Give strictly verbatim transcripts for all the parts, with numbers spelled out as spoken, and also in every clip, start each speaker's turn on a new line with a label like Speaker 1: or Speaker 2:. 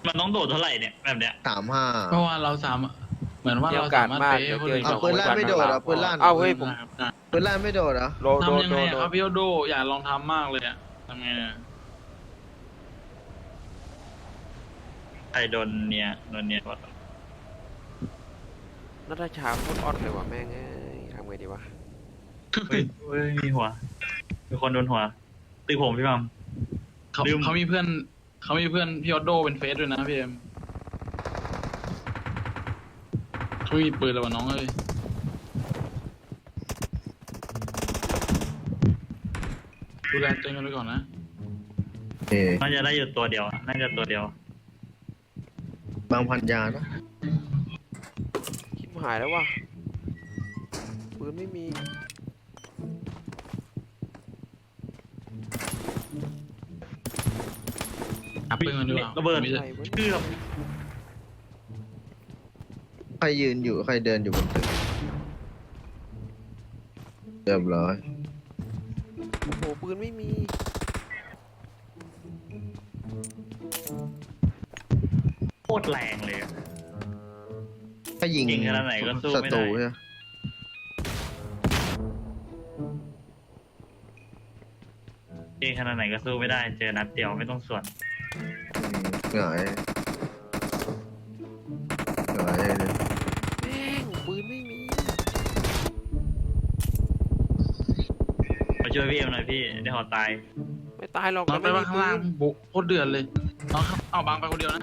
Speaker 1: มันต้องโดดเท่าไหร่เนี่ยแบบเนี้ย
Speaker 2: สามห้า
Speaker 3: เพราะว่าเราสามเหมือนว่าเราสามารถเป๊ะคนอื่น
Speaker 2: เอาปืนลั่นไม่โดดเหรอปืนลั่น
Speaker 4: เอ้าเฮ้ยผม
Speaker 2: ปืนลั่นไม่โดดเหรอ
Speaker 4: โดนโดน
Speaker 3: ทำยัง
Speaker 4: โด
Speaker 3: ไง
Speaker 4: นโด
Speaker 3: ครั
Speaker 4: น
Speaker 3: บพี่โอโดอยากลองทำมากเลยอะทำไงอะ
Speaker 1: ใครโดนเนี่ยโดนเนี่ยวะ
Speaker 4: นัทชาพูดออดเลยว่ะแม่งเอ้ยทำไงดีวะ
Speaker 1: เฮ้ยเฮ้ยมีหัวมีคนโดนหัวตีผมพี่มัม
Speaker 3: เขา
Speaker 1: ลืม
Speaker 3: เขามีเพื่อนเขามีเพื่อนพี่โอโดเป็นเฟซด้วยนะพี่เอ็มเขามีปืนแล้ววะน้องเอ้ยดูแลตัวเองกันไว้ก่อนนะ
Speaker 2: เอ๊ะ
Speaker 1: น่าจะได้อยู่ตัวเดียวน่าจะตัวเดียว
Speaker 2: บางพันยานะ
Speaker 4: คิดหายแล้วว่ะปืนไม่มี
Speaker 3: หาปืนกันดีกว่า
Speaker 1: ระเบิด
Speaker 3: มีแต่
Speaker 1: เกือบ
Speaker 2: ใครยืนอยู่ใครเดินอยู่บนตึกเรียบร้อย
Speaker 4: โอ้โหปืนไม่มี
Speaker 1: โคตรแรงเลยอะ
Speaker 2: ถ้ายิง
Speaker 1: ยิงขนาดไหนก็สู้
Speaker 2: ศั
Speaker 1: ไม่
Speaker 2: ต
Speaker 1: ได้
Speaker 2: รูใช่ไหม
Speaker 1: เองขนาดไหนก็สู้ไม่ได้เจอนัดเดียวไม่ต้องส่วน
Speaker 2: อืมหงายหงายเลย
Speaker 4: แม่งปืนไม่มี
Speaker 1: มาช่วยพี่เอ็มหน่อยพี่ได้หอตาย
Speaker 4: ไม่ตายหรอก
Speaker 3: น้องไป
Speaker 4: แต่ม่
Speaker 3: ว่า
Speaker 4: มี
Speaker 3: ข้างล่างบุกโคตรเดือดเลยน้องครับเอาบางไปคนเดียวนะ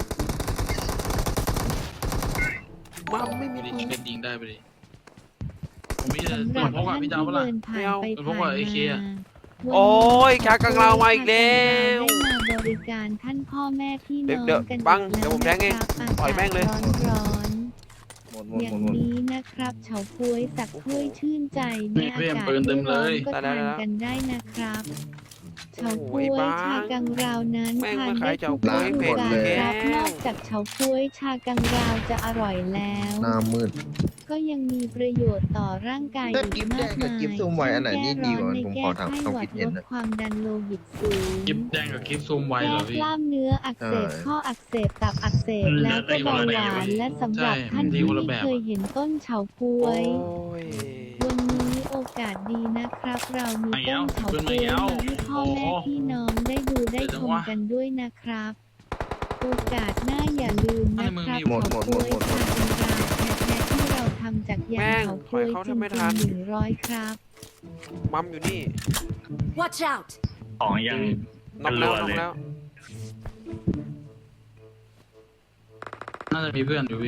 Speaker 4: ปืนมัมไม่มี
Speaker 3: ไม่ได้
Speaker 4: ปืน
Speaker 3: เช็ดยิงได้ไปดิผมมีแต่
Speaker 5: สำห
Speaker 3: ปื
Speaker 5: รับ
Speaker 3: นพกอะ
Speaker 5: ท่าน
Speaker 3: พี่
Speaker 5: ที่
Speaker 3: เจ้าเปะล่า
Speaker 5: เดินผ่านไป
Speaker 3: ไม่เอา
Speaker 5: ผ่าน
Speaker 3: เอเค
Speaker 5: มา
Speaker 3: อะ
Speaker 4: โอ้ยชากลางเรามาอีกแล้ว
Speaker 5: ได้มาบริการท่านพ่อแม่พี่
Speaker 4: เดี๋
Speaker 5: น้
Speaker 4: ยว
Speaker 5: อง
Speaker 4: เดี๋ยว
Speaker 5: กัน
Speaker 4: บัง
Speaker 5: อีก
Speaker 4: เดี๋ยวผมแทงเอง
Speaker 5: ล้ว
Speaker 4: ปล่อยแม่งเลย
Speaker 5: อากาศร้อน
Speaker 2: หมดหม
Speaker 5: ๆ
Speaker 2: ด
Speaker 5: อย่า
Speaker 2: หม
Speaker 5: ง
Speaker 2: ดหมด
Speaker 5: นี้นะครับเฉาก๊วยสักถ้วยชื่นใจ
Speaker 3: นี่
Speaker 5: เมื่อ
Speaker 3: พี่เอ็
Speaker 5: อาม กาศ
Speaker 3: ปืนเต็มเลย
Speaker 5: ก็ทานกันได้นะครับเฉาก๊วย
Speaker 4: โอ้ยบ้า
Speaker 5: ชากังราวนั้น
Speaker 4: แม่ง
Speaker 5: ทาน
Speaker 4: มาขา
Speaker 5: ได้
Speaker 4: ยเฉา
Speaker 5: ทุก
Speaker 4: ก๊วย
Speaker 5: ฤดูกาล
Speaker 4: เผ็ด
Speaker 5: ครับ
Speaker 4: แล้ว
Speaker 5: นอกจากเฉาก๊วยชากังราวจะอร่อยแล้ว
Speaker 2: หน้ามืด
Speaker 5: ก็ยังมีประโยชน์ต่อร่างกาย
Speaker 2: แต่
Speaker 5: อี
Speaker 2: กิ๊
Speaker 5: ก
Speaker 2: บแด
Speaker 5: มาก
Speaker 2: งกับ
Speaker 5: มาย
Speaker 2: กิ๊บซูมไว้อันไหนนี่ดีกว่า
Speaker 5: ใน
Speaker 2: ผม
Speaker 5: แก้
Speaker 2: ขอถาม
Speaker 5: ไข้
Speaker 2: ความ
Speaker 5: หวั
Speaker 2: คิ
Speaker 5: ด
Speaker 2: ดเห็
Speaker 5: ล
Speaker 2: น
Speaker 5: ด
Speaker 2: นะ
Speaker 5: ความดันโลหิตสูง
Speaker 3: กิฟแดงกับกิฟซูมไวเหร
Speaker 5: แก้
Speaker 3: อพี่
Speaker 5: กล้ามเนื้ออักเสบ
Speaker 2: ใช่
Speaker 5: ข้ออักเสบตับอักเสบ
Speaker 1: อืม
Speaker 5: แล้วก็เบาหวาน
Speaker 3: ใช่
Speaker 5: และสำหรับ
Speaker 3: ใช่
Speaker 5: ท่าน
Speaker 3: มันดี
Speaker 5: ที่
Speaker 3: คนละ
Speaker 5: ไม่
Speaker 3: แบบ
Speaker 5: เคยเห็นต้นเฉาก๊ว
Speaker 4: โอ้
Speaker 5: ย
Speaker 4: ย
Speaker 5: วันนี้โอกาสดีนะครับ เรามี
Speaker 3: มาอีกแล้
Speaker 5: ต้
Speaker 3: วน
Speaker 5: เฉา
Speaker 3: ขึ้น
Speaker 5: ก๊
Speaker 3: มาอี
Speaker 5: วย
Speaker 3: กแล้ว
Speaker 5: มาให้พ่อแม่
Speaker 3: โอ้โห
Speaker 5: พี่น้องได้ดูได้
Speaker 3: เดี๋ยว
Speaker 5: ช
Speaker 3: จัง
Speaker 5: ม
Speaker 3: วะ
Speaker 5: กันด้วยนะครับ โอกาสหน้าอย่าลืมนะครับ
Speaker 3: ให้มึงมี
Speaker 2: หมด
Speaker 5: เฉา
Speaker 2: หมดหม
Speaker 5: ก๊
Speaker 2: ด
Speaker 5: วย
Speaker 2: หมด
Speaker 5: ชากังราวแท้ๆที่เราทำจากยางเฉาก๊วย
Speaker 4: แม่งถอยเข้า
Speaker 5: จริ
Speaker 4: ทำ
Speaker 5: ง
Speaker 4: ไม่ทัน
Speaker 5: ๆหนึ่งร้อยครับ
Speaker 4: มัมอยู่นี่
Speaker 6: Watch out!
Speaker 1: ของยัง
Speaker 4: น็อกแล้ว
Speaker 1: รัว
Speaker 4: น็อ
Speaker 1: เล
Speaker 4: ก
Speaker 1: ย
Speaker 4: แล้ว
Speaker 3: น่าจะมีเพื่อนอยู่พี่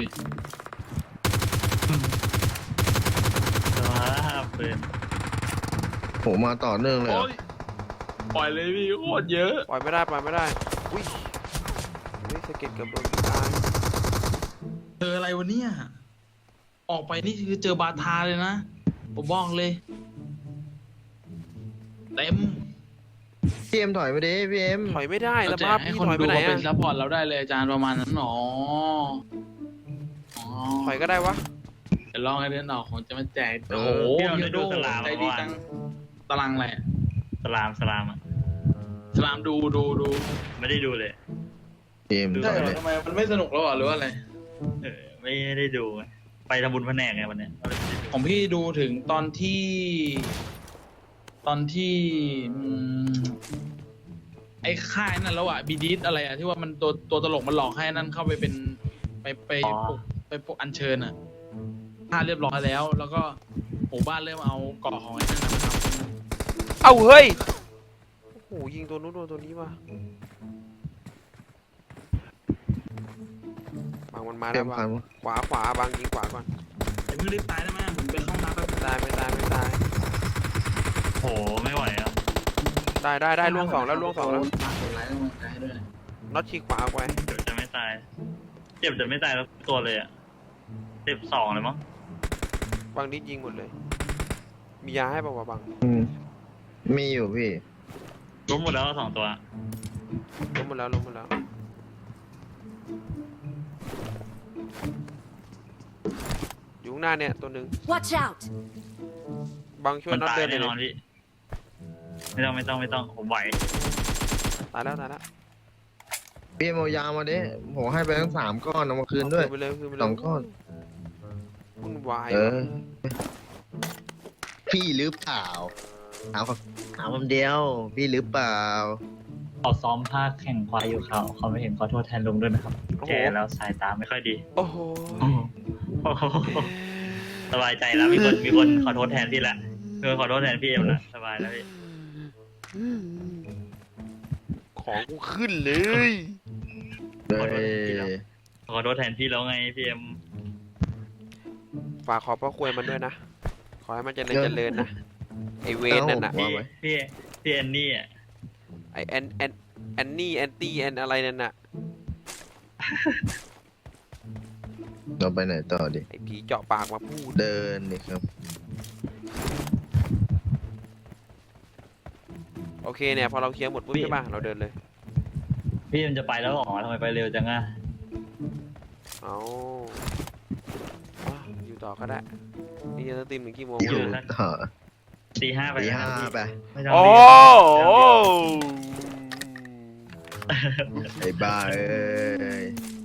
Speaker 1: สภาพปืน
Speaker 2: โหมาต่อเนื่องเลยเหร
Speaker 3: โอ้
Speaker 2: อย
Speaker 3: ปล่อยเลยพี่โคตรเยอะ
Speaker 4: ปล่อยไม่ได้ปล่อยไม่ได้อุ้ยนี่สะเก็ดเกือบโดนตาย
Speaker 3: เจออะไรวะเนี่ยออกไปนี่คือเจอบาทาเลยนะผมบอกเลยเต็ม
Speaker 2: พี่เอ็มถอยไปดิพี่เอ็ม
Speaker 4: ถอยไม่ได้แล้ว
Speaker 3: แจ
Speaker 4: บ้าก
Speaker 3: ให้
Speaker 4: พี่
Speaker 3: คน
Speaker 4: ถอยไป
Speaker 3: ดู
Speaker 4: ไหน
Speaker 3: เขาเป็
Speaker 4: อะ
Speaker 3: นซัพพอร์ตเราได้เลยอาจารย์ประมาณนั้นหรออ๋อ
Speaker 4: ถอยก็ได้วะ
Speaker 3: เดี๋ยวลองให้เดินออกผมจะมาแจก
Speaker 2: เอ
Speaker 3: โอ้
Speaker 2: อ
Speaker 3: โห
Speaker 1: พี่เราได้
Speaker 3: พี่
Speaker 1: ดู
Speaker 3: โด
Speaker 1: สลาม
Speaker 3: ใจ
Speaker 1: เมื่
Speaker 3: ดี
Speaker 1: อวา
Speaker 3: จั
Speaker 1: น
Speaker 3: งตารางแหละ
Speaker 1: สลามสลามอ่ะ
Speaker 3: สลามดูดูดู
Speaker 1: ไม่ได้ดูเลย
Speaker 2: พี่เอ็มถ
Speaker 3: ใช่
Speaker 2: อย
Speaker 3: เหร
Speaker 2: เล
Speaker 3: อย ทำไมมันไม่สนุกแล้วเหรอหรือว่าอะไร
Speaker 1: เออไม่ได้ดูไงไปทำบุญแผนกไงวันเนี้ยก็เลยไม่ได้ดู
Speaker 3: ของพี่ดูถึงตอนที่ ตอนที่อืมไอ้ค่ายนั่นแล้วอะบีดิสอะไรอะที่ว่ามันตัวตัวตลกมันหลอกให้นั่นเข้าไปเป็นไปไปปลุกไปปลุกอัญเชิญอะค่าเรียบร้อยแล้ว แล้วก็หมู่บ้านเริ่มเอาเกาะของไอ้นั่นนะครับ
Speaker 4: เอ้าเฮ้ยโอ้โหยิงตัวนู้นโดนตัวนี้ว่ะบางมันมา
Speaker 2: เต็
Speaker 4: แล้ว
Speaker 2: ม
Speaker 4: บา
Speaker 2: พั
Speaker 4: ง
Speaker 2: น
Speaker 4: ขวาขวาบางยิงขวาก่อน
Speaker 3: อย่าเพิ่งรีบตายได้ไหมผมไปเข้าห้องน้ำแป๊บ
Speaker 4: ไม่ตายไม่ตายไม่ตาย
Speaker 1: โหไม่ไหวอ่ะ
Speaker 4: ได้ได้ได้ล่วงสองแล้วล่วงสองแล้ว
Speaker 3: ฝากกดไลค์กำลังใจให้ด้วย
Speaker 4: น็อตฉีกขวาออกไป
Speaker 1: เจ็บจะไม่ตาย เจ็บจะไม่ตายแล้วตัวเลยอ่ะเจ็บสองเลยมั้ง
Speaker 4: บางนิดยิงหมดเลย มียาให้ป่าวะบาง
Speaker 2: อืมมีอยู่พี่
Speaker 1: ล้มหมดแล้วสองตัว
Speaker 4: ล้มหมดแล้วล้มหมดแล้วอยู่ข้างหน้าเนี่ยตัวหนึ่ง
Speaker 6: Watch out!
Speaker 4: บางช่วย
Speaker 1: มัน
Speaker 4: น็อต
Speaker 1: ตาย
Speaker 4: เดินเล
Speaker 1: แน่
Speaker 4: ย
Speaker 1: นอนพี่ไม่ต้องไม่ต้องไม่ต้องผมไหว
Speaker 4: ตายแล้วตายแล้ว
Speaker 2: พี่เอ็มเอายามาดิผมให้ไปทั้งสามก้อนเอามาคืนด้วย
Speaker 4: เอาไปเลยคืนไปเลย
Speaker 2: สองก้อน
Speaker 4: วุ่นวาย
Speaker 2: เอ
Speaker 4: ว่ะ
Speaker 2: อ พี่หรือเปล่าถามคำถามคำเดียว พี่หรือเปล่า
Speaker 1: เขาซ้อมภาคแข่งควายอยู่เขาเขาไม่เห็นขอโทษแทนลุงด้วยนะครับแกแล้วสายตาไม่ค่อยดี
Speaker 4: โอ้โห
Speaker 1: สบายใจแล้วมีคนมีคนขอโทษแทนพี่ละมีคนขอโทษแทนพี่เอ็มละสบายแล้วพี่
Speaker 4: ของกูขึ้นเลย
Speaker 2: เฮ้ย
Speaker 1: ขอโทษแทนพี่แล้วไงพี่เอ็ม
Speaker 4: ฝากขอบพระคุณมันด้วยนะ ขอให้มันเจริญเจริญนะ ไอเวนนั่นน่ะ
Speaker 1: พี่พี่พี่แอนนี่อ่ะ
Speaker 4: ไอแอนแอนแอนนี่แอนตี้แอนอะไรนั่นน่ะ
Speaker 2: เราไปไหนต่อดิ
Speaker 4: ไอผีเจาะปากมาพูด
Speaker 2: เดินนี่ครับ
Speaker 4: โอเคเนี่ยพอเราเคลียร์หมดปุ๊บใช่ป่ะเราเดินเลย
Speaker 1: พี่มันจะไปแล้วเหรอทำไมไปเร็วจังอ่ะ
Speaker 4: เอาอ่ะอยู่ต่อก็ได้ นี่จะตีมถึงกี่โมง
Speaker 2: อยู่
Speaker 4: วะ
Speaker 2: ต่อ
Speaker 1: ตีห้าไป
Speaker 2: ตีห้าไป
Speaker 1: ไม่ต้อง
Speaker 4: โอ้
Speaker 1: รีบ
Speaker 2: ไอ้บ้าเอ้ย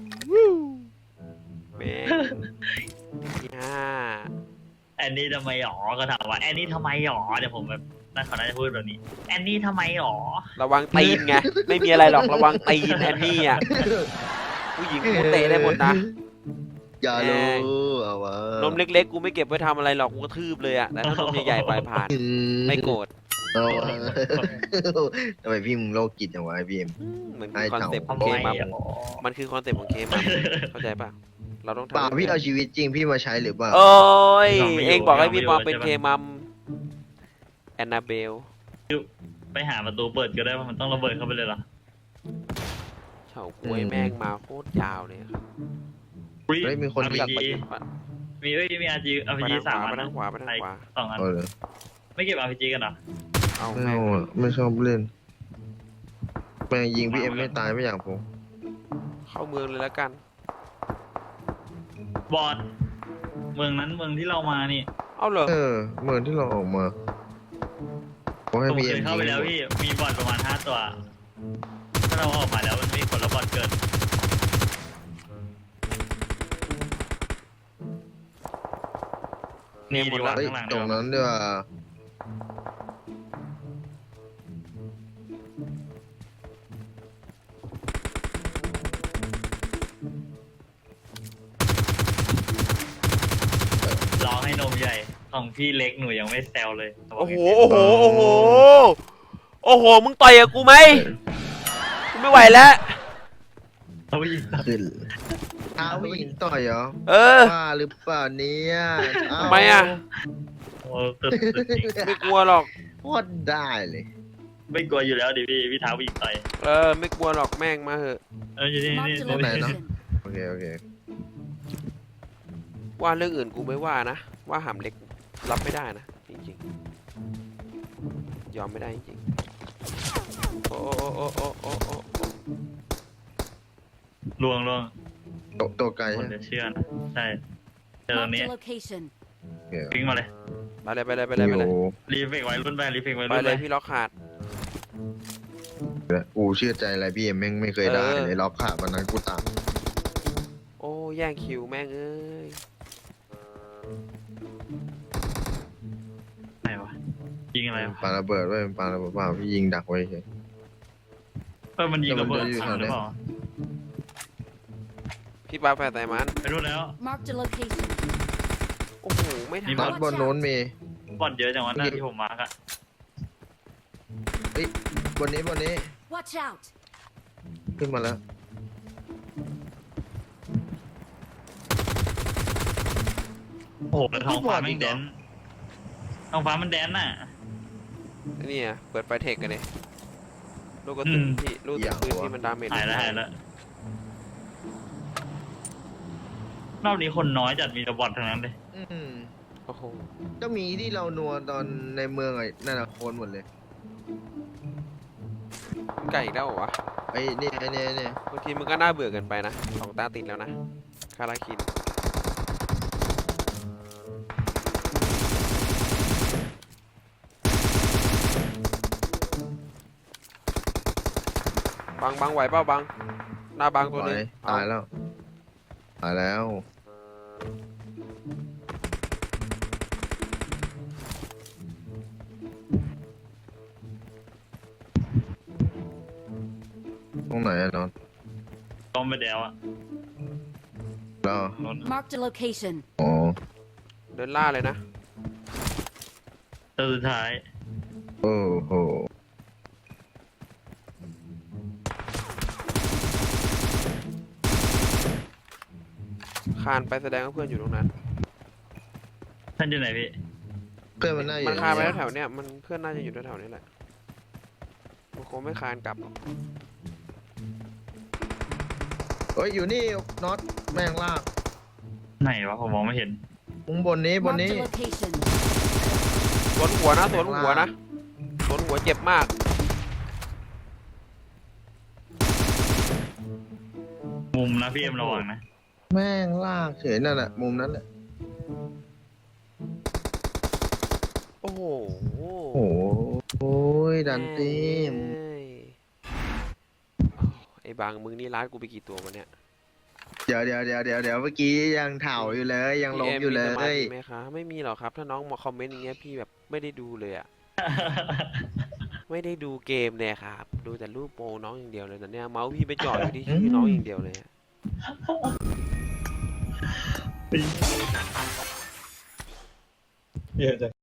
Speaker 4: แม่งที่ห้า
Speaker 1: แอนนี่ทำไมหรอก็ถามว่าแอนนี่ทำไมหรอเดี๋ยวผมแบบน่าเขาน่าจะพูดแบบนี้แอนนี่ทำไมหรอ
Speaker 4: ระวังตีนไง ไม่มีอะไรหรอกระวังตีนแอนนี่อ่ะ ผู้หญิงกูเตะได้หมดนะ
Speaker 2: อย่ารู้เอาวะ
Speaker 4: นมเล็กๆ กูไม่เก็บไว้ทำอะไรหรอก กูกระทืบเลยอ่ะ แต่ถ้านมใหญ่ๆปล่อยผ่าน
Speaker 2: อื
Speaker 4: ไม่โกรธ
Speaker 2: เอาวะทำไมพี่มึงโลกจิตอย่างวะไอ้พี่เอ็ม
Speaker 4: อืมเหมือน
Speaker 2: ไอ้
Speaker 4: คือคอน
Speaker 2: เต่า
Speaker 4: เซ็ปต์ของ
Speaker 1: ทำ
Speaker 4: เค
Speaker 1: ไม
Speaker 4: มัม
Speaker 1: หรอ
Speaker 4: มันคือคอนเซ็ปต์ของเคมัมเข้าใจป่ะ เราต้องทำ
Speaker 2: เปล่าพี่เอาชีวิตจริงพี่มาใช้หรือเปล่า
Speaker 4: โอ้ย
Speaker 1: ยอมไม่อยู่
Speaker 4: เองบอกให้พี่
Speaker 1: ยอม
Speaker 4: ม
Speaker 1: ไม่อยู่
Speaker 4: องเป็น
Speaker 1: ใช่
Speaker 4: เค
Speaker 1: ปะ
Speaker 4: มัมแอนนาเบล
Speaker 1: ไปหาประตูเปิดก็ได้ว่ามันต้องระเบิดเข้าไปเลยเหรอ
Speaker 4: เฉาก้วยแม่งมาโคตรยาวเลยครับ
Speaker 2: เฮ้ยมีคน
Speaker 1: อาร์
Speaker 2: มี
Speaker 1: พีจีมีเอ้ยมีอาร์จีอาร์พี
Speaker 4: ไป
Speaker 1: จี
Speaker 4: ทางข
Speaker 1: สาม
Speaker 4: วา
Speaker 1: อั
Speaker 4: ไป
Speaker 1: น
Speaker 4: ทางขวาไปทางขวา
Speaker 1: สองอัน
Speaker 2: เอาเลย
Speaker 1: ไม่เก็บอาร์พีจีกันเหรอ
Speaker 4: เอา
Speaker 2: ไม่
Speaker 4: แม่ง
Speaker 2: เอาอะไม่ชอบเล่นแม่งยิงพี่เอ็มไม่ตายไม่อย่างผม
Speaker 4: เข้าเมืองเลยแล้วกัน
Speaker 1: บอดเมืองนั้นเมืองที่เรามานี่
Speaker 4: เอาเหรอ
Speaker 2: เออเหมือนที่เราออกมาผมให้
Speaker 1: ผม
Speaker 2: พี่
Speaker 1: เค
Speaker 2: เอ็ม
Speaker 1: ยเข้าไปแล้วพี่มีบอดประมาณห้าตัวถ้าเราออกมาแล้วมันมีคนละบอดเกิด นี่ดีกว่า
Speaker 2: เฮ้ย
Speaker 1: ข้างหลัง
Speaker 2: ต
Speaker 1: ดี
Speaker 2: รง
Speaker 1: กว่า
Speaker 2: นั้นด้วยว่า
Speaker 1: รอให้นมใหญ่ของพี่เล็กหนูยังไม่แซวเลย
Speaker 4: โอ้โห โอ้โห โอ้โห โอ้โห มึงต่อยกับกูไหมกูไม่ไหวแล้ว
Speaker 1: เอาอีก
Speaker 2: ขึ้นท้าผู้หญิงต่อยเหรอ
Speaker 4: เออ
Speaker 2: ว่าหรือเปล่าเนี่ยเอ้า
Speaker 4: ทำไมอ่ะ
Speaker 1: โอ้สุดสุดจริง
Speaker 4: ไม่กลัวหรอก
Speaker 2: โคตรได้เลย
Speaker 1: ไม่กลัวอยู่แล้วดิพี่พี่ท้าผู้หญิงต่อย
Speaker 4: เออ ไม่กลัวหรอกแม่งมาเหอะ
Speaker 1: เอออยู่นี่นี่
Speaker 6: Marked a
Speaker 2: ตรงไหนเนอะ
Speaker 6: location.
Speaker 2: โอเคโอเค
Speaker 4: ว่าเรื่องอื่นกูไม่ว่านะ ว่าหำเล็กรับไม่ได้นะ จริงๆ ยอมไม่ได้จริงๆ โอ้โอ้โอ้โอ้โอ้โอ้โอ้
Speaker 1: ลวงลวง
Speaker 2: ตัวตัวไกล
Speaker 1: คน
Speaker 2: ใช่ไหม
Speaker 1: จะเชื่อนะใช่เจอตรง
Speaker 6: Marked
Speaker 1: นี้
Speaker 6: a location.
Speaker 2: โอเค
Speaker 1: วิ่งมาเลย
Speaker 4: ไปเลยไปเลยไปเลยไปเลย
Speaker 2: โอ้
Speaker 1: รีเฟกไว้รุ่นไปรีเฟกไว้
Speaker 4: ไป
Speaker 1: รุ่น
Speaker 4: เล
Speaker 1: ไป
Speaker 4: ยพี่ล็อกขาด
Speaker 2: กูเชื่อใจอะไรพี่เอ็มแม่งไม่เคยได้
Speaker 4: เออ
Speaker 2: เลยล็อกขามันนั้นกูตาม
Speaker 4: โอ้แย่งคิวแม่งเอ้ย
Speaker 1: ไหนวะยิงอะไรวะ
Speaker 2: ปาระเบิดไว้ปาระเบิดเปล่าพี่ยิงดักไว้เฉย
Speaker 1: เออมันยิงระเบิด
Speaker 2: แต่มันจะอยู่
Speaker 1: ถังหรือ
Speaker 2: แถวไหน
Speaker 1: เปล่า
Speaker 4: พี่ปาแฝดไต่มัน
Speaker 1: ไปรุ่นแล้ว
Speaker 6: Marked a location.
Speaker 4: โอ้โห ไม่ทั
Speaker 1: มี
Speaker 4: น
Speaker 2: นัดบนโน้นมี
Speaker 1: บอลเยอะจังวะหน้าที่ผมมาร์กอะ
Speaker 2: เฮ้ยบนนี้บนนี้
Speaker 6: Watch out.
Speaker 2: ขึ้นมาแล้ว
Speaker 1: โอ้โหท้องฟ้ามันแดนท้องฟ้ามันแดนน่ะ
Speaker 4: นี่อ่ะเปิดไฟเทคกันเลยลูกกระสุน
Speaker 1: อืม
Speaker 4: ที่ลูกกระสุนที่มันดาเมจ
Speaker 1: หายแล้วหายแล้วรอบนี้คนน้อยจัดมีแต่บอลทั้งนั้นเลย
Speaker 2: อืม
Speaker 4: โอ้โห
Speaker 2: ก็มีที่เรานัวตอนในเมืองไอ้นั่นน่ะโคนหมดเลย
Speaker 4: ไก่อีกแล้วเหรอวะ
Speaker 2: ไอ้นี่ไอ้นี่ไอ้นี่
Speaker 4: บางทีมันก็น่าเบื่อเกันไปนะสองตาติดแล้วนะคาราคินบังบังไหวเปล่าบังหน้าบางตัว
Speaker 2: ตา
Speaker 4: นึ
Speaker 2: ย
Speaker 4: ง
Speaker 2: ตายแล้ว ตายแล้ว ตรงไหนอะนอน
Speaker 1: ต้มไปแล้วอ่ะ
Speaker 2: แล้ว
Speaker 1: รถ
Speaker 6: Marked a location.
Speaker 2: อ๋อ
Speaker 4: เดินล่าเลยนะ
Speaker 1: ตัวสุดท้าย
Speaker 2: โอ้โห
Speaker 4: คานไปแสดงว่าเพื่อนอยู่ตรงนั้น
Speaker 1: ท่านอยู่ไหนพี่
Speaker 2: เพื่อนมันน่าอยู่
Speaker 4: มันคานไป
Speaker 2: ตรง
Speaker 4: แถวๆเนี้ยมันเพื่อนน่าจะอยู่แถวๆนี้แหละมันคงไม่คานกลับหรอก
Speaker 2: เฮ้ย อยู่นี่น็อตแม่งลาก
Speaker 1: ไหนวะผมมองไม่เห็น
Speaker 2: มุมบนนี้บน
Speaker 6: Marked
Speaker 2: นี้
Speaker 6: a location.
Speaker 4: สวนหัวนะสวนหัวนะสวนหัวเจ็บมาก
Speaker 1: มุมนะพี่เอ็มระวังนะ
Speaker 2: แม่งลากเฉยนั่นแหละมุมนั้นแหละ
Speaker 4: โอ้โห
Speaker 2: โอ้โหโอ้ยดันตีม
Speaker 4: เอ้ยอ้าวไอ้บางมึงนี่ร้านกูไปกี่ตัววะเนี่ย
Speaker 2: เดี๋ยวเดี๋ยวเดี๋ยวเดี๋ยวเดี๋ยวเมื่อกี้ยังเถ่าอยู่เลย ยังล้มอยู่เล
Speaker 4: พี่เมมีสมาธิ
Speaker 2: ย
Speaker 4: ไหมคะไม่มีหรอกครับ ถ้าน้องมาคอมเมนต์อย่างเงี้ยพี่แบบไม่ได้ดูเลยอะไม่ได้ดูเกมเลยครับ ดูแต่รูปโปรน้องอย่างเดียวเลยแต่เนี่ยเมาส์พี่ไปจ่ออยู่ที่ชื่อน้องอย่างเดียวเลยอะ
Speaker 1: เยอะจัง